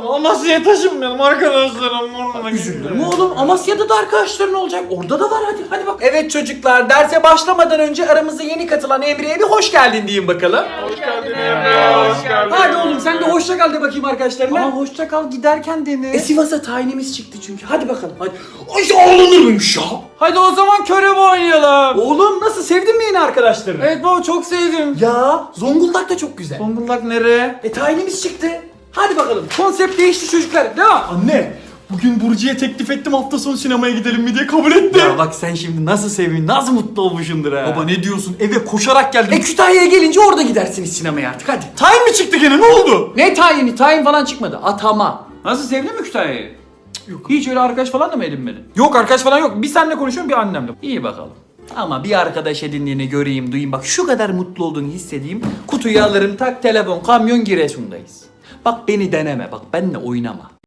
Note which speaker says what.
Speaker 1: Amasya'ya taşınmayalım arkadaşlarım.
Speaker 2: Üzülürüm oğlum. Amasya'da da arkadaşların olacak. Orada da var hadi bak.
Speaker 3: Evet çocuklar, derse başlamadan önce aramıza yeni katılan Emre'ye bir hoş geldin diyeyim bakalım.
Speaker 1: Hoş geldin Emre, hoş geldin.
Speaker 3: Hadi oğlum sen de hoşça kal de bakayım arkadaşlarına.
Speaker 2: Ama hoşça kal giderken dene.
Speaker 3: Sivas'a tayinimiz çıktı çünkü. Hadi bakalım hadi. Ay ağlanır mıymış ya?
Speaker 2: Hadi o zaman körebe oynayalım.
Speaker 3: Oğlum nasıl, sevdin mi yeni arkadaşlarını?
Speaker 2: Evet baba çok sevdim.
Speaker 3: Ya Zonguldak da çok güzel.
Speaker 2: Zonguldak nereye?
Speaker 3: Tayinimiz çıktı. Hadi bakalım. Konsept değişti çocuklar. Devam.
Speaker 1: Anne, bugün Burcu'ya teklif ettim hafta sonu sinemaya gidelim mi diye, kabul etti.
Speaker 2: Ya bak sen şimdi nasıl sevin, nasıl mutlu olmuşsundur ha.
Speaker 1: Baba ne diyorsun? Eve koşarak geldim.
Speaker 3: Kütahya'ya gelince orada gidersiniz sinemaya artık hadi.
Speaker 1: Tayin mi çıktı gene, ne oldu?
Speaker 3: Ne tayini? Tayin falan çıkmadı. Atama.
Speaker 2: Nasıl sevdin mi Kütahya'yı? Yok. Hiç öyle arkadaş falan da mı edinmedin?
Speaker 1: Yok, arkadaş falan yok. Bir seninle konuşuyorum, bir annemle.
Speaker 2: İyi bakalım. Ama bir arkadaş edindiğini göreyim, duyayım. Bak şu kadar mutlu olduğunu hissedeyim. Kutuyu alırım, tak telefon, kamyon Giresun'dayız. Bak beni deneme, bak benimle oynama.